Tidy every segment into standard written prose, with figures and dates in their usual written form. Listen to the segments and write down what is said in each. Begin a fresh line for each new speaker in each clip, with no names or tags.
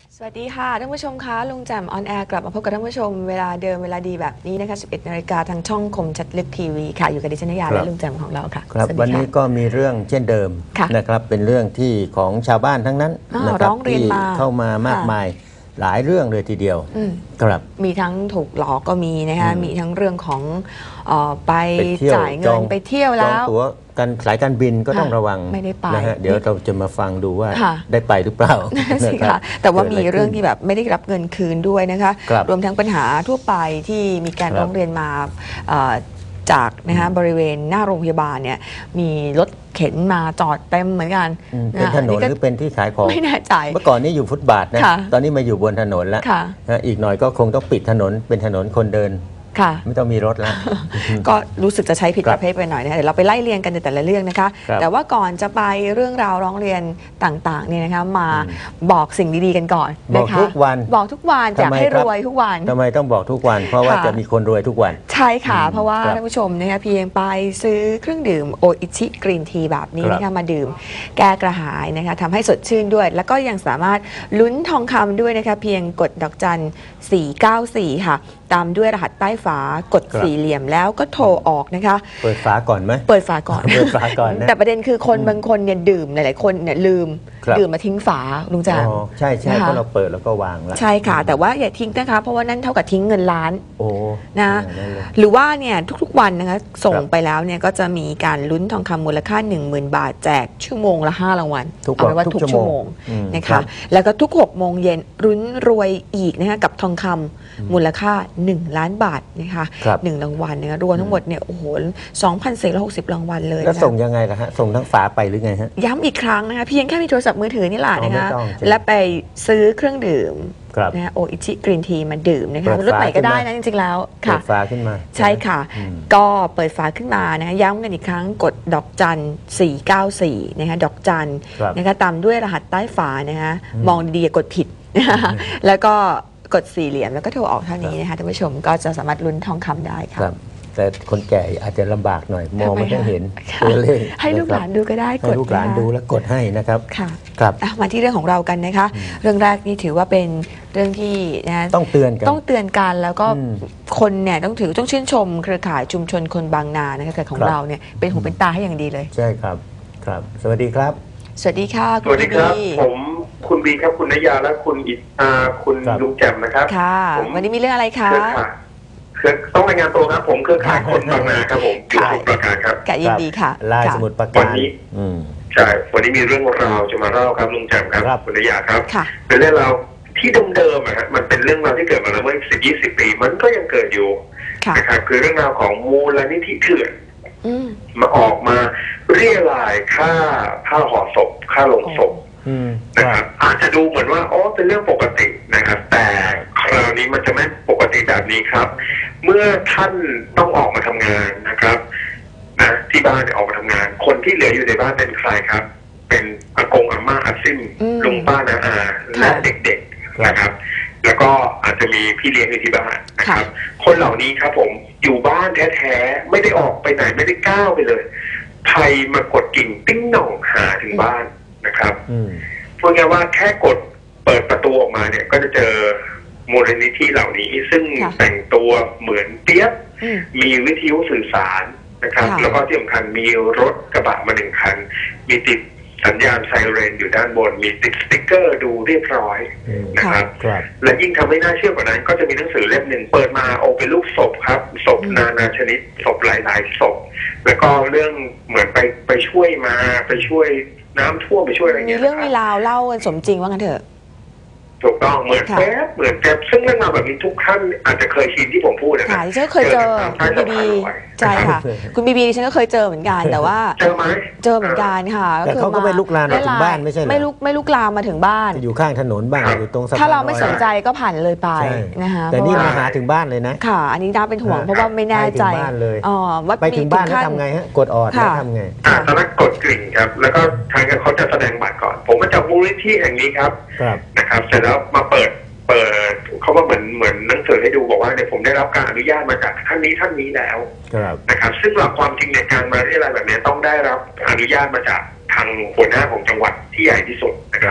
สวัสดีค่ะท่านผู้ชมคะลุงแจ่มออนแอร์กลับมาพบกับท่านผู้ชมเวลาเดิมเวลาดีแบบนี้นะคะ 11 นาฬิกาทางช่องคมชัดลึกทีวีค่ะอยู่กับดิฉันนยาและลุงแจ่มของเราค่ะ
ครับวันนี้ก็มีเรื่องเช่นเดิมนะครับเป็นเรื่องที่ของชาวบ้านทั้งนั้นนะครับที่เข้ามามากมายหลายเรื่องเลยทีเดียวครับ
มีทั้งถูกหลอกก็มีนะคะมีทั้งเรื่องของไปจ่ายเงินไปเที่ยวแล้ว
ตัวการสายการบินก็ต้องระวัง
ไม่ได้ไป
นะฮะเดี๋ยวเราจะมาฟังดูว่าได้ไปหรือเปล่า
นะคะแต่ว่ามีเรื่องที่แบบไม่ได้รับเงินคืนด้วยนะคะรวมทั้งปัญหาทั่วไปที่มีการร้องเรียนมาจากนะคะบริเวณหน้าโรงพยาบาลเนี่ยมีรถเข็นมาจอดเต็มเหมือนกัน
เป็นถนนหรือเป็นที่ขายของ
ไม่แน่ใจ
เมื่อก่อนนี้อยู่ฟุตบาทนะตอนนี้มาอยู่บนถนนแล้วอีกหน่อยก็คงต้องปิดถนนเป็นถนนคนเดินไม่ต้องมีรถแล้ว
ก็รู้สึกจะใช้ผิดประเภทไปหน่อยนะเดี๋ยวเราไปไล่เรียงกันในแต่ละเรื่องนะคะแต่ว่าก่อนจะไปเรื่องราวร้องเรียนต่างๆเนี่ยนะคะมาบอกสิ่งดีๆกันก่อน
นะคะบอกทุกวัน
อยากให้รวยทุกวัน
ทำไมต้องบอกทุกวันเพราะว่าจะมีคนรวยทุกวัน
ใช่ค่ะเพราะว่าท่านผู้ชมนะคะเพียงไปซื้อเครื่องดื่มโออิชิกรีนทีแบบนี้นะคะมาดื่มแก้กระหายนะคะทำให้สดชื่นด้วยแล้วก็ยังสามารถลุ้นทองคำด้วยนะคะเพียงกดดอกจัน494ค่ะตามด้วยรหัสใต้ฝากดสี่เหลี่ยมแล้วก็โทรออกนะคะ
เปิดฝาก่อนไหม
เปิดฝาก่อน
นะ
แต่ประเด็นคือคนบางคนเนี่ยดื่มหลายๆคนเนี่ยลืมดื่มมาทิ้งฝาลุงแจ่ม
ใช่ใช่เพราะเราเปิดแล้วก็วางแล้ว
ใช่ค่ะแต่ว่าอย่าทิ้งนะคะเพราะว่านั่นเท่ากับทิ้งเงินล้านนะหรือว่าเนี่ยทุกๆวันนะคะส่งไปแล้วเนี่ยก็จะมีการลุ้นทองคำมูลค่า 10,000 บาทแจกชั่วโมงละ5 รางวัล
เอาไว้ว่า
ทุกชั่วโมงนะคะแล้วก็ทุก6 โมงเย็นลุ้นรวยอีกนะคะกับทองคำมูลค่า1 ล้านบาทนะคะ1 รางวัลนะคะรวมทั้งหมดเนี่ยโอ้โห 2,460 รางวัลเลย
แล้วส่งยังไงล่ะฮะส่งทั้งฝาไปหรือไงฮะ
ย้ำอีกครั้งนะคะเพียงแค่มีโทรศัพท์มือถือนี่แหละนะคะและไปซื้อเครื่องดื่มนะโออิชิกรีนทีมาดื่มนะคะรถไหนก็ได้นะจริงๆแล้ว
ค่ะเปิดฝาขึ้นมา
ใช่ค่ะก็เปิดฝาขึ้นมานะคะย้ำกันอีกครั้งกดดอกจัน494นะคะดอกจันนะคะตามด้วยรหัสใต้ฝานะคะมองดีๆกดผิดแล้วก็กดสี่เหลี่ยมแล้วก็โทรออกเท่านี้นะคะท่านผู้ชมก็จะสามารถลุ้นทองคำได้ค่ะ
แต่คนแก่อาจจะลำบากหน่อยมองไม่ได้เห็นตัวเลข
ให้ลูกหลานดูก็ได้
กดให้ลูกหลานดูแล้วกดให้นะครับ
ค่ะครับมาที่เรื่องของเรากันนะคะเรื่องแรกนี่ถือว่าเป็นเรื่องที่นะ
ต้องเตือน
กันแล้วก็คนเนี่ยต้องชื่นชมเครือข่ายชุมชนคนบางนานะคะของเราเนี่ยเป็นหูเป็นตาให้อย่างดีเลย
ใช่ครับครับสวัสดีครับ
สวัสดีค่ะ
สวัสดีครับผมคุณบีครับคุณนยาและคุณคุณลุงแจ่มนะครับ
ค่ะวันนี้มีเรื่องอะไรคะ
ต้องรายงานตัวครับผมเครือข่ายคนบางนาครับผมอยู่สมุทรปราการครับ
ยินดีค่ะ
ลายสมุทรปราการวันนี้
ใช่วันนี้มีเรื่องราวจะมาเล่าครับลุงแจ่มครับคุณนยาครับเป็นเรื่องราวที่เดิมๆนะฮะมันเป็นเรื่องราวที่เกิดมาแล้วเมื่อ10-20 ปีมันก็ยังเกิดอยู่นะครับคือเรื่องราวของมูลนิธิเถื่อนมาออกมาเรียรายค่าห่อศพค่าลงศพนะครับอาจจะดูเหมือนว่าเป็นเรื่องปกตินะครับแต่คราวนี้มันจะไม่ปกติแบบนี้ครับเมื่อท่านต้องออกมาทำงานนะครับนะที่บ้านออกมาทำงานคนที่เหลืออยู่ในบ้านเป็นใครครับเป็นอากงอาม่าอาซิ่มลุงป้าน้าอาและเด็กๆนะครับแล้วก็อาจจะมีพี่เลี้ยงอยู่ที่บ้านนะครับคนเหล่านี้ครับผมอยู่บ้านแท้ๆไม่ได้ออกไปไหนไม่ได้ก้าวไปเลยภัยมากดกิ่งติ้งหน่องหาถึงบ้านนะครับพูดง่ายว่าแค่กดเปิดประตูออกมาเนี่ยก็จะเจอมูลนิธิเหล่านี้ซึ่งแต่งตัวเหมือนเปี๊ยบมีวิทยุสื่อสารนะครับแล้วก็ที่สำคัญมีรถกระบะมา1 คันมีติดสัญญาณไซเรนอยู่ด้านบนมีติดสติ๊กเกอร์ดูเรียบร้อยนะครับและยิ่งทำให้น่าเชื่อกว่านั้นก็จะมีหนังสือเล่มหนึ่งเปิดมาเป็นรูปศพครับศพนานาชนิดศพหลายๆศพแล้วก็เรื่องเหมือนไปช่วยน้ำท่วมไปช่วยอะไรเงี้ย
มีเรื่องมีราวเล่ากันสมจริงว่างั้นเถอะ
ถูกต้องเหมือนแป๊บเหมือนแป๊บซึ่งเรื่องราวแบบนี้ทุกท่านอาจจะเคยชินที่ผมพูดนะ
ค่ะดิฉันก็เคยเจอคุณบีบีใช่ค่ะคุณบีบีดิฉันก็เคยเจอเหมือนกันแต่ว่า
เจอไหม
เจอเหมือนกันค่ะ
แต่เขาก็ไม่ลุกลามมาถึงบ้านไม่ใช่
ไม่ลุกลามมาถึงบ้าน
อยู่ข้างถนนบ้างอยู่ตรงสะพาน
ถ้าเราไม่สนใจก็ผ่านเลยไปนะคะ
แต่นี่มาหาถึงบ้านเลยนะ
ค่ะอันนี้น่าเป็นห่วงเพราะว่าไม่แน่ใจ
ว่าไปถึงบ้านแล้วทำไงฮะกดออดแล้วทำไง
ตอนนั้นกดกริ่งครับแล้วก็ทางเขาจะแสดงบัตรก่อนผมมาจากมูลนิธิแห่งนี้ครับนะครับเสร็จแล้วมาเปิดเขาก็เหมือนหนังสือให้ดูบอกว่าเนี่ยผมได้รับการอนุญาตมาจากท่านนี้แล้วนะครับซึ่งหลักความจริงในการมาเรียอะไรแบบนี้ต้องได้รับอนุญาตมาจากทางหัวหน้าของจังหวัดที่ใหญ่ที่สุดนะครับ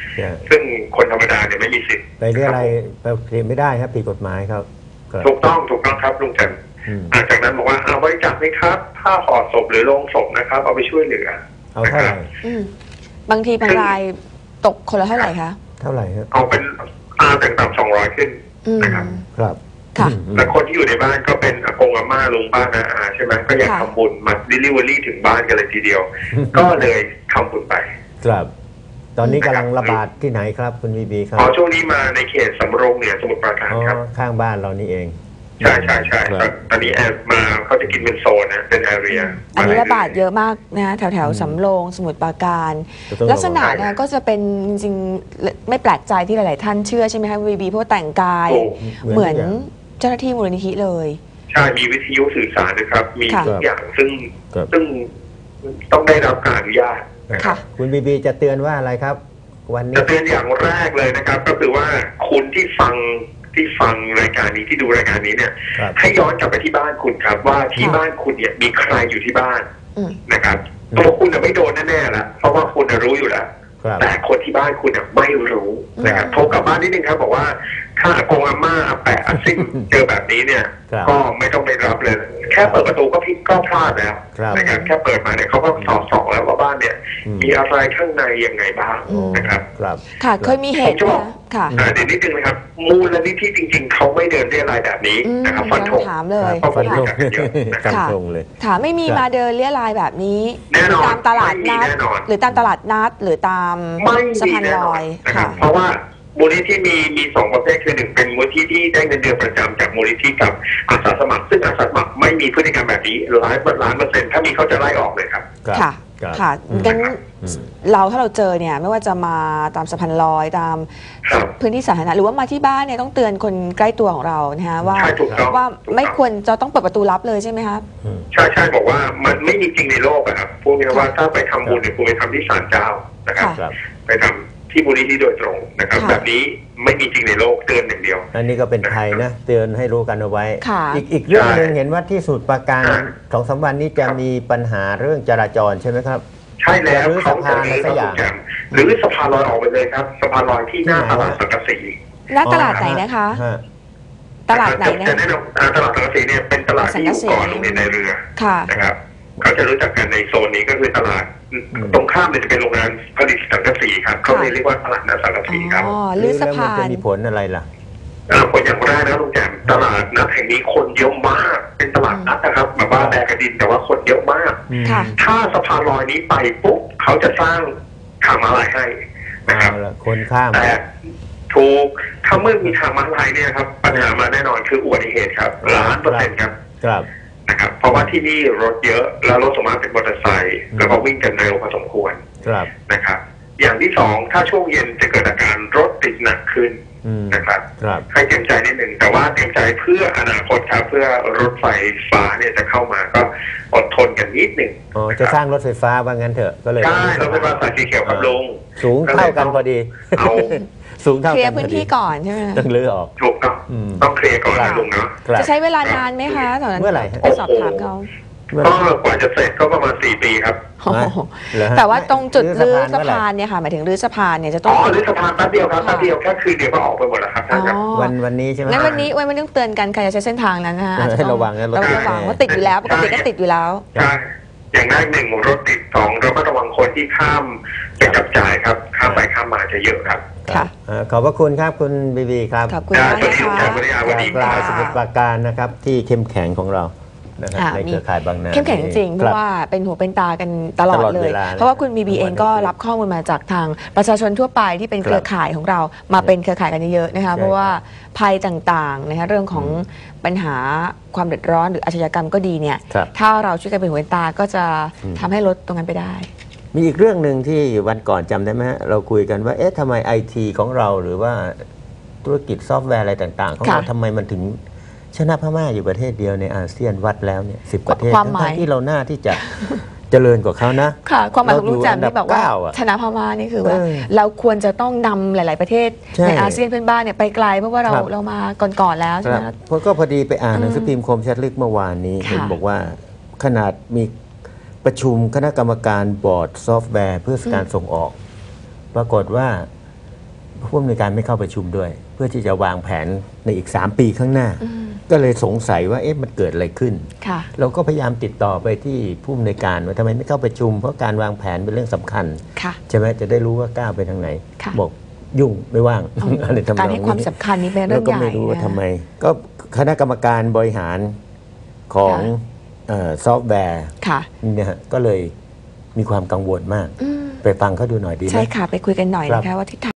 ซึ่งคนธรรมดาเนี่ยไม่มีสิทธิ์
ไปเรียอะไรไปเคลมไม่ได้ครับผิดกฎหมายครับ
ถูกต้องครับลุงจันจากนั้นบอกว่าเอาบริจาคไหมครับผ้าห่อศพหรือโลงศพนะครับเอาไปช่วยเหลือ
เอาเท่าไหร่
บางทีบางรายตกคนละเท่าไหร่คะ
เท่าไหร่ครับ
เอาเป็นต่ำ200ขึ้นนะครับ
ครับ
แล้วคนที่อยู่ในบ้านก็เป็นอากงอาม่าลุงป้าน้าอาใช่ไหมก็อยากทำบุญมาดิลิเวอรี่ถึงบ้านกันเลยทีเดียวก็เลยทำบุญไป
ครับตอนนี้กำลังระบาดที่ไหนครับคุณวีบีครับ
ช่วงนี้มาในเขตสำโรงเหนือสมุทรปราการครับ
ข้างบ้านเรานี่เอง
ใช่ตอนนี้แอบมาเขาจะกินเป็นโซนนะเป็นแอเรีย
อันนี้ระบาดเยอะมากนะแถวสำโรงสมุทรปราการลักษณะนะก็จะเป็นจริงๆไม่แปลกใจที่หลายๆท่านเชื่อใช่ไหมคะวีบีเพราะแต่งกายเหมือนเจ้าหน้าที่มูลนิธิเลย
ใช่มีวิทยุสื่อสารนะครับมีทุกอย่างซึ่งต้องได้รับการอนุญาต
คุณบีบีจะเตือนว่าอะไรครับวันนี้
จะเตือนอย่างแรกเลยนะครับก็คือว่าคุณที่ฟังรายการนี้ที่ดูรายการนี้เนี่ยให้ย้อนกลับไปที่บ้านคุณครับว่าที่บ้านคุณเนี่ยมีใครอยู่ที่บ้านนะครับตัวคุณไม่โดนแน่ๆแล้วเพราะว่าคุณรู้อยู่แล้วแต่คนที่บ้านคุณไม่รู้นะครับโทรกลับบ้านนิดนึงครับบอกว่าถ้าอากงอาม่าอาแปะอาซิ่งเจอแบบนี้เนี่ยก็ไม่ต้องไปรับเลยแค่เปิดประตูก็พลาดแล้วนะครับแค่เปิดมาเนี่ยเขาก็สอบแล้วว่าบ้านเนี่ยมีอะไรข้างในยังไงบ้างนะครับ
ค่ะเคยมีเหตุนะค่ะ
เดี๋ยวนิดนึงนะครับมูลนิธิจริงๆเขาไม่เดินเรียรายแบบนี้นะครับฟันธง
ถามเลย
ฟันธงเลย
ถามไม่มีมาเดินเรียรายแบบนี้ตามตลาดนัดหรือตามตลาดนัดหรือตามสะพานลอย
ค่ะเพราะว่ามูลนิธิมี2ประเภทคือ1เป็นมูลนิธิที่ได้เงินเดือนประจำจากมูลนิธิกับอาสาสมัครซึ่งอาสาสมัครไม่มีพฤติกรรมแบบนี้100%ถ้ามีเขาจะไล่ออกเลยครับ
ค่ะงั้นถ้าเราเจอเนี่ยไม่ว่าจะมาตามสะพานลอยตามพื้นที่สาธารณะหรือว่ามาที่บ้านเนี่ยต้องเตือนคนใกล้ตัวของเรานะฮะว่าไม่ควรจะต้องเปิดประตูลับเลยใช่ไหมครับ
ใช่บอกว่ามันไม่มีจริงในโลกครับพวกนี้ว่าถ้าไปทำบุญเนี่ยคุณไปทำที่ศาลเจ้านะครับไปทำที่มูลนิธิโดยตรงนะครับแบบนี้ไม่มีจริงในโลกเตือนอย่างเดียว
อันนี้ก็เป็นภัยนะเตือนให้รู้กันเอาไว้อีกเรื่องนึงเห็นว่าที่สมุทรปราการ2-3 วันนี้จะมีปัญหาเรื่องจราจรใช่ไหมครับ
ใช่แล้วเขาจะรื้อสะพานหรือสะพานลอยออกไปเลยครับสะพานลอยที่หน้าตลาดสังกะสี
หน้าตลาดไหนนะคะตลาดไหนนะ
ตลาดสังกะสีเนี่ยเป็นตลาดที่อยู่ก่อนโรงเรียนในเรือนะครับเขาจะรู้จักกันในโซนนี้ก็คือตลาดตรงข้ามจะเป็นโรงงานผลิตสังกะสีครับเขาเรียกว่าตลาดนัดสังกะสีครับ
รื้อสะพาน
จะมีผลอะไรล่ะ
ผลอย่างแรกนะลุงแจ่มตลาดนัดแห่งนี้คนเยอะมากเป็นตลาดนัดนะครับแบบว่าแบกกระดินแต่ว่าคนเยอะมากถ้าสะพานลอยนี้ไปปุ๊บเขาจะสร้างทางม้าลายให้นะครับ
คนข้าม
แต่ถูกถ้าเมื่อมีทางม้าลายเนี่ยครับปัญหามาแน่นอนคืออุบัติเหตุครับ100%ครับนะครับเพราะว่าที่นี่รถเยอะแล้วรถสมมติเป็นมอเตอร์ไซค์แล้วก็วิ่งกันเร็วพอสมควรนะครับอย่างที่2ถ้าช่วงเย็นจะเกิดอาการรถติดหนักขึ้นนะครับให้เตรียมใจนิดหนึ่งแต่ว่าเตรียมใจเพื่ออนาคตครับเพื่อรถไฟฟ้าเนี่ยจะเข้ามาก็อดทนกันนิดหนึ่ง
จะสร้างรถไฟฟ้าว่างั้นเถอะก็เลย
ใช่รถไฟฟ้าสายสีเขียวครับลง
สูงเท่ากันพอดีสูงเท่ากัน
เคลียร์พื้นที่ก่อนใช่ไหม
ต้องเลือกออก
ถูกต้องเคลียร์ก่อนลุงเนาะ
จะใช้เวลานานไหมคะตอนนั้น
เมื่อไหร่
ไปสอบถามเขา
ก็กว่าจะเสร็จก็ประมาณ4 ปีครับ
แต่ว่าตรงจุดรื้อสะพานเนี่ยค่ะหมายถึงรื้อสะพานเนี่ยจะต้อง
รื้อสะพานแป๊บเดียวครับแป๊บเดียวแค่คืนเดียวก็ออกไปหมดแล้วครับ
วันนี้ใช่ไหม
งั้นวันนี้ต้องเตือนกันใครจะใช้เส้นทางนั้นนะคะ
ให้ระวังนะ
ระวังว่าติดอยู่แล้วปกติก็ติดอยู่แล้ว
ใช่อย่างแรก1รถติด2เราก็ระวังคนที่ข้ามไปจับจ่ายครับข้ามไปข้ามมาจะเยอะครับ
ค่ะ
ขอบพระคุณครับคุณบีครับ
ขอบคุณมากนะคะ
ปลาสมุทรปราการนะครับที่เข้มแข็งของเราในเครือข่ายบางนา
เข้มแข็งจริงเพราะว่าเป็นหูเป็นตากันตลอดเลยเพราะว่าคุณบีเองก็รับข้อมูลมาจากทางประชาชนทั่วไปที่เป็นเครือข่ายของเรามาเป็นเครือข่ายกันเยอะๆนะคะเพราะว่าภัยต่างๆนะคะเรื่องของปัญหาความเดือดร้อนหรืออาชญากรรมก็ดีเนี่ยถ้าเราช่วยกันเป็นหูเป็นตาก็จะทำให้ลดตรงนั้นไปได้
มีอีกเรื่องหนึ่งที่วันก่อนจำได้ไหมฮะเราคุยกันว่าทำไมไอทีของเราหรือว่าธุรกิจซอฟต์แวร์อะไรต่างๆของเราทำไมมันถึงชนะพม่าอยู่ประเทศเดียวในอาเซียนวัดแล้วเนี่ย10 ประเทศทั้งที่เราหน้าที่จะเจริญกว่าเขานะ
ค่ะความหมายของลุงแจ่มที่บอกว่าชนะพม่านี่คือว่าเราควรจะต้องนำหลายๆประเทศในอาเซียนเพื่อนบ้านเนี่ยไปไกลเพราะว่าเรามาก่อนๆแล้วใช่ไหม
เพราะก็พอดีไปอ่านหนังสือพิมพ์คมชัดลึกเมื่อวานนี้เห็นบอกว่าขนาดมีประชุมคณะกรรมการบอร์ดซอฟต์แวร์เพื่อการส่งออกปรากฏว่าผู้อำนวยการไม่เข้าประชุมด้วย เพื่อที่จะวางแผนในอีก3 ปีข้างหน้า
อืม
ก็เลยสงสัยว่าเอ๊ะมันเกิดอะไรขึ้น
ค่ะ
เราก็พยายามติดต่อไปที่ผู้อำนวยการว่าทำไมไม่เข้าประชุม เพราะการวางแผนเป็นเรื่องสำคัญ
ค่ะ
ใช่ไหมจะได้รู้ว่าก้าวไปทางไหน
ค่ะ
บอกยุ่งไม่ว่าง อะไรทำนอง
การให้ความสำคัญนี้เป็นเรื่
แล้
อ
ว
ง
ก็
ใหญ่
ไม่รู้ว่า
นะ
ทำไม ก็คณะกรรมการบริหารของ
ค่ะ
ซอฟต์แวร์
ค่ะ
เนี่ยฮะก็เลยมีความกังวลมาก
อืม
ไปฟังเขาดูหน่อยดีไหม
ใช่ค่ะ ไปคุยกันหน่อย
ครับ
นะคะว่าทิศทาง